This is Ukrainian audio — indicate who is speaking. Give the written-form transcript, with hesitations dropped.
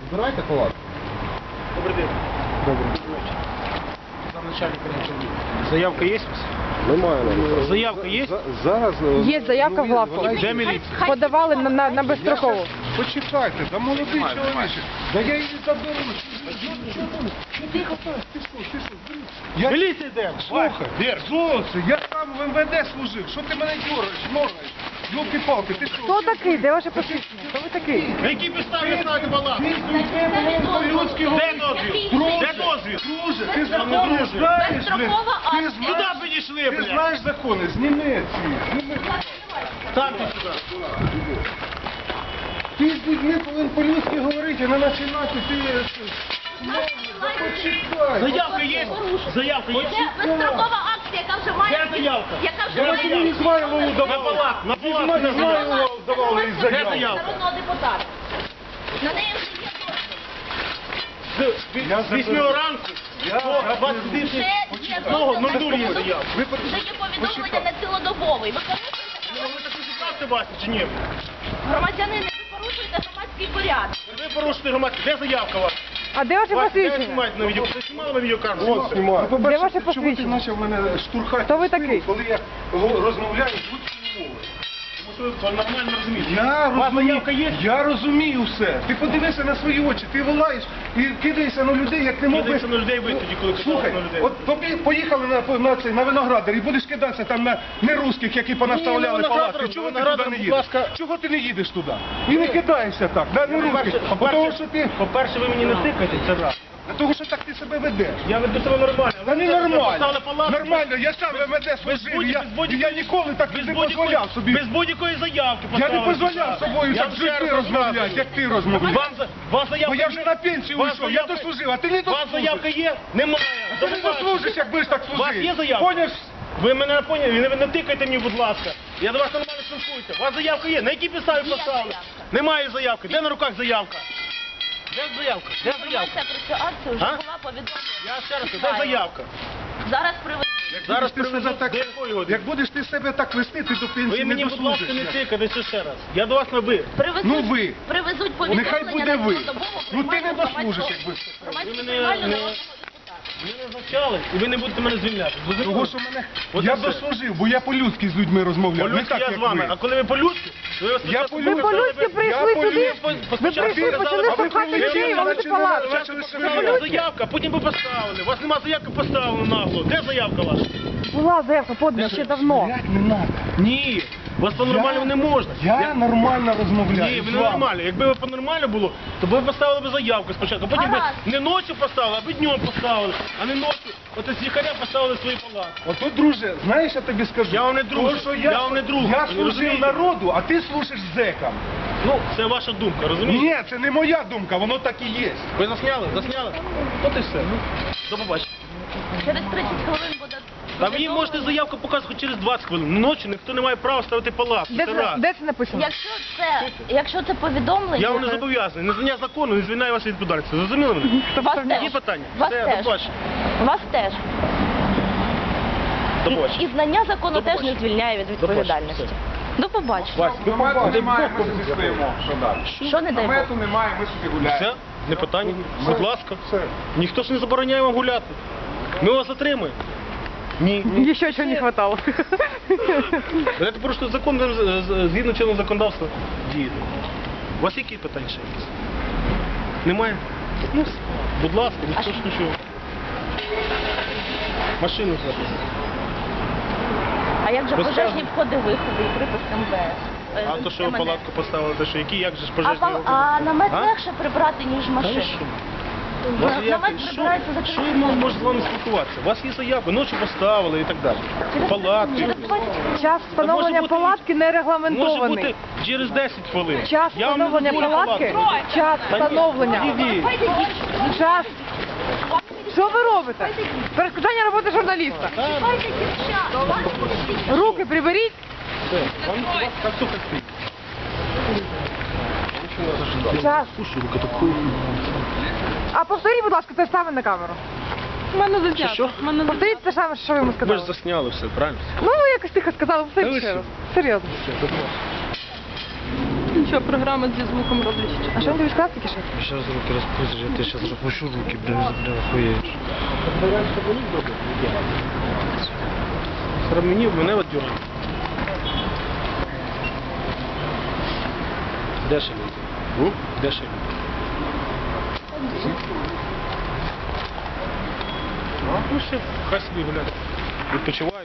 Speaker 1: Збирайте палатку.
Speaker 2: Добрий день.
Speaker 1: Добре.
Speaker 2: Замначальник заявка є?
Speaker 1: Немає.
Speaker 2: Заявка є?
Speaker 1: Зараз...
Speaker 3: Є заявка в главку.
Speaker 2: Де міліція?
Speaker 3: Подавали на безстрокову.
Speaker 1: Почекайте, да молодий чоловік. Да я її заберу.
Speaker 2: Міліція йде.
Speaker 1: Слухай, Золоце, я сам в МВД служив. Що ти мене моргаєш? Ёлки-палки, ти що?
Speaker 3: Хто такий? Де ваше посвідчення? Хто ви такий?
Speaker 2: На якій підставі ставите баланс?
Speaker 1: По-людськи
Speaker 2: Де дозвіл? Де дозвіл?
Speaker 1: Друже, ти закони знаєш, блін. Ти
Speaker 2: Куди
Speaker 1: знаєш,
Speaker 2: підійшли,
Speaker 1: ти
Speaker 2: блядь?
Speaker 1: знаєш закони, зніми ці.
Speaker 2: Станьте сюди.
Speaker 1: Ти з людьми повинен по-людськи говорити, а не починати ти... Почекай.
Speaker 2: Заявка є? Заявка є?
Speaker 4: Це безстрокова акція, яка вже має...
Speaker 2: Де заявка?
Speaker 4: Яка вже
Speaker 1: Я
Speaker 4: має...
Speaker 1: тобі Ізмайлову
Speaker 2: На
Speaker 1: давав.
Speaker 2: палат, на палат.
Speaker 1: Мене Ізмайлову давали із
Speaker 2: Де
Speaker 1: заявки.
Speaker 2: заявка?
Speaker 4: Народного депутата. На неї вже є дозвіл.
Speaker 2: З 8 ранку до 29
Speaker 4: Вже є
Speaker 2: одного,
Speaker 4: дозвіл
Speaker 2: 0 є
Speaker 4: на
Speaker 2: заявка.
Speaker 4: Вже є повідомлення на цілодобовий. Ви порушуєте
Speaker 2: Ви таку ситуацію бачите чи ні?
Speaker 4: громадянини, ви порушуєте громадський порядок.
Speaker 2: Ви порушуєте громадську. Де заявка ваша?
Speaker 3: А де ваше
Speaker 2: Де
Speaker 3: посвідчення?
Speaker 2: знімаєте на відео? Ви знімали на відеокамеру?
Speaker 1: От, знімаю.
Speaker 3: Де ваше
Speaker 1: Чому ти
Speaker 3: посвідчення?
Speaker 1: почав мене штурхати?
Speaker 3: Хто ви
Speaker 1: в спину,
Speaker 3: такий?
Speaker 1: Коли я розмовляю з людською мовою.
Speaker 2: Тому що ви нормально розумієте.
Speaker 1: Я
Speaker 2: У вас
Speaker 1: розумію,
Speaker 2: заявка є?
Speaker 1: я розумію все. Ти подивися на свої очі, ти волаєш і кидаєшся на людей, як ти мов би...
Speaker 2: Кидаєшся на людей ви тоді, коли
Speaker 1: Слухай,
Speaker 2: кидаєшся на людей.
Speaker 1: от поїхали на Виноградар і будеш кидатися там на нерусських, які понаставляли
Speaker 2: Ні,
Speaker 1: палатки. Чого ти
Speaker 2: Виноградар,
Speaker 1: туди не
Speaker 2: будь
Speaker 1: їдеш?
Speaker 2: ласка.
Speaker 1: Чого ти не їдеш туди? І не кидаєшся так, на нерусських. Тому що ти...
Speaker 2: По-перше, ви мені не тикаєте, це раз.
Speaker 1: Того, що так ти себе ведеш.
Speaker 2: Я веду себе нормально.
Speaker 1: Та не
Speaker 2: Поставили
Speaker 1: нормально.
Speaker 2: палатку.
Speaker 1: Нормально, я сам в МВД служив, і я ніколи так не дозволяв собі.
Speaker 2: Без будь-якої заявки
Speaker 1: Я не
Speaker 2: поставили
Speaker 1: дозволяв
Speaker 2: сюди.
Speaker 1: собою
Speaker 2: Я
Speaker 1: так
Speaker 2: вам
Speaker 1: жити
Speaker 2: ще раз
Speaker 1: розмовляти,
Speaker 2: розказую.
Speaker 1: як ти розмовляєш.
Speaker 2: Вас заявка
Speaker 1: Бо я вже на пенсію
Speaker 2: Вас
Speaker 1: вийшов, я
Speaker 2: заявка-
Speaker 1: дослужив, а ти не
Speaker 2: У вас заявка
Speaker 1: дослужиш.
Speaker 2: є? Немає.
Speaker 1: Ти не дослужиш, як будеш так
Speaker 2: У вас є
Speaker 1: служити.
Speaker 2: заявка?
Speaker 1: Поняв?
Speaker 2: Ви мене не поняли, ви не тикайте мені, будь ласка. Я до вас нормально спілкуюся. У вас заявка є? На якій підставі
Speaker 4: Є
Speaker 2: поставили?
Speaker 4: заявка.
Speaker 2: Немає заявки. Де на руках заявка? Де заявка? Де заявка?
Speaker 4: Інформація про цю акцію вже
Speaker 2: А?
Speaker 4: була повідомлена.
Speaker 2: Я ще раз, де заявка?
Speaker 4: Зараз привезуть.
Speaker 2: Зараз
Speaker 1: Будеш ти себе
Speaker 2: привезуть
Speaker 1: так,
Speaker 2: до якої години?
Speaker 1: як будеш ти себе так вести, ти до
Speaker 2: Ви
Speaker 1: пенсії не
Speaker 2: мені, будь ласка,
Speaker 1: дослужиш.
Speaker 2: не тикайте ще раз. Я до вас на ви.
Speaker 4: Привезуть,
Speaker 1: Ну ви.
Speaker 4: Привезуть повідомлення
Speaker 1: Нехай буде
Speaker 4: на
Speaker 1: ви.
Speaker 4: цілодобову
Speaker 1: Ну ти не
Speaker 4: приймальну
Speaker 1: дослужиш,
Speaker 4: громадську-
Speaker 1: якби.
Speaker 4: громадську
Speaker 2: Ви мене
Speaker 4: приймальну
Speaker 2: не-
Speaker 4: народного депутата.
Speaker 2: Ви не навчали, і ви не будете мене звільняти. Зрозуміли?
Speaker 1: Того, що мене...
Speaker 2: От
Speaker 1: Я
Speaker 2: і все.
Speaker 1: дослужив, бо я по-людськи з людьми розмовляв. Не
Speaker 2: По-людськи
Speaker 1: так,
Speaker 2: я
Speaker 1: як
Speaker 2: з вами,
Speaker 1: ви.
Speaker 2: а коли ви по-людськи, ви
Speaker 1: Я
Speaker 2: спочатку
Speaker 1: по-людськи.
Speaker 3: Ви по-людськи прийшли
Speaker 1: Я
Speaker 3: сюди?
Speaker 1: по-людськи.
Speaker 3: Ви прийшли, почали штовхати людей, валити палатку.
Speaker 2: Показали заявка, потім ви поставили. У вас нема заявки, поставили нагло. Де заявка ваша?
Speaker 3: Була заявка подана ще давно.
Speaker 1: Блядь, не надо.
Speaker 2: Ні, у вас по-нормальному не можна.
Speaker 1: Я нормально розмовляю.
Speaker 2: Ні, ви
Speaker 1: з
Speaker 2: не
Speaker 1: вами.
Speaker 2: нормально. Якби ви по-нормально було, то ви поставили б заявку спочатку. Потім ви
Speaker 4: Гаразд.
Speaker 2: не ночі поставили, а ви днем поставили. А не ночі. От з лікаря поставили свої палатки.
Speaker 1: Ото, друже, знаєш, я тобі скажу.
Speaker 2: Я вам не друг.
Speaker 1: Того, що
Speaker 2: Я вам не друг.
Speaker 1: Я
Speaker 2: Ви
Speaker 1: служив
Speaker 2: розумієте?
Speaker 1: народу, а ти служиш зекам.
Speaker 2: Ну, це ваша думка, розумієте?
Speaker 1: Ні, це не моя думка, воно так і є.
Speaker 2: Ви засняли? Засняли? От і все. До побачення.
Speaker 4: Через 30 хвилин буде...
Speaker 2: А ви їм можете заявку показувати хоч через 20 хвилин. Ночі ніхто не має права ставити палатку.
Speaker 3: Де
Speaker 2: Це
Speaker 3: це,
Speaker 2: раз.
Speaker 3: де це написано?
Speaker 4: Якщо це повідомлення...
Speaker 2: Я вам не зобов'язаний. Незнання закону не звільняє вас від відповідальності. Зрозуміли мене?
Speaker 4: Вас
Speaker 2: Є
Speaker 4: теж.
Speaker 2: питання?
Speaker 4: Вас
Speaker 2: Все,
Speaker 4: теж.
Speaker 2: до побачення.
Speaker 4: Вас теж.
Speaker 2: До побачення.
Speaker 4: І знання закону
Speaker 2: До
Speaker 4: теж не
Speaker 2: побачення.
Speaker 4: звільняє від
Speaker 2: До побачення.
Speaker 4: відповідальності. До побачення.
Speaker 2: Вась, ви
Speaker 1: Намету немає,
Speaker 2: Бог,
Speaker 1: ми собі стоїмо. Що далі?
Speaker 4: Що не дай Бог?
Speaker 1: Намету немає, ми собі гуляємо.
Speaker 2: Все? Не питання? Будь ласка.
Speaker 1: Все.
Speaker 2: Ніхто ж не забороняє вам гуляти. Ми вас затримаємо. Ні.
Speaker 3: Ще чого не хватало.
Speaker 2: Ви порушуєте закон, згідно чинного законодавства дієте. У вас які питання ще якісь? Немає? Ну, будь ласка, ніхто ж нічого. Машину зараз.
Speaker 4: А як же
Speaker 2: Розказуй.
Speaker 4: пожежні входи-виходи і припис МВС?
Speaker 2: А то, що ви
Speaker 4: МНС?
Speaker 2: палатку поставили, то що, які, як же ж
Speaker 4: А,
Speaker 2: пожежні
Speaker 4: а намет
Speaker 2: А?
Speaker 4: легше прибрати, ніж
Speaker 2: Та
Speaker 4: машину.
Speaker 2: що? У вас є
Speaker 4: Намет
Speaker 2: якісь-
Speaker 4: прибирається за
Speaker 2: Що
Speaker 4: 30
Speaker 2: я
Speaker 4: хвилин.
Speaker 2: можу з вами спілкуватися? У вас є заявка, ночі поставили і так далі. Палатки.
Speaker 4: Через 20
Speaker 3: Час встановлення
Speaker 2: бути-
Speaker 3: палатки не
Speaker 2: Може
Speaker 3: регламентований.
Speaker 2: бути через 10 хвилин.
Speaker 3: Час
Speaker 2: Я вам не
Speaker 3: встановлення
Speaker 2: дозволю
Speaker 3: палатки,
Speaker 2: палатку.
Speaker 3: час
Speaker 2: Та ні,
Speaker 3: встановлення.
Speaker 2: ідіть.
Speaker 3: Час. Що ви робите? Перешкоджання роботи журналіста. Руки приберіть.
Speaker 2: Все, вам как только спит.
Speaker 3: Час.
Speaker 2: Слушай, рука такой.
Speaker 3: А повторіть, будь ласка, те саме на камеру. У мене
Speaker 2: Що?
Speaker 3: Повторіть те саме, що ви йому
Speaker 2: Ви ж
Speaker 3: сказали.
Speaker 2: засняли все, правильно?
Speaker 3: Ну, ви якось тихо сказали,
Speaker 2: Та ви
Speaker 3: повторіть ще
Speaker 2: що?
Speaker 3: раз. Серйозно.
Speaker 2: Все, до побачення.
Speaker 5: нічого, програма зі звуком роблять.
Speaker 3: А що він тобі сказав тільки що?
Speaker 6: Сейчас руки распустишь, я тебе сейчас распущу руки, бля, охуеешь.
Speaker 2: Мені, мене от дюрать. Де ще люди? Де ще люди? Ну ще, хай собі гуляють. Відпочивають.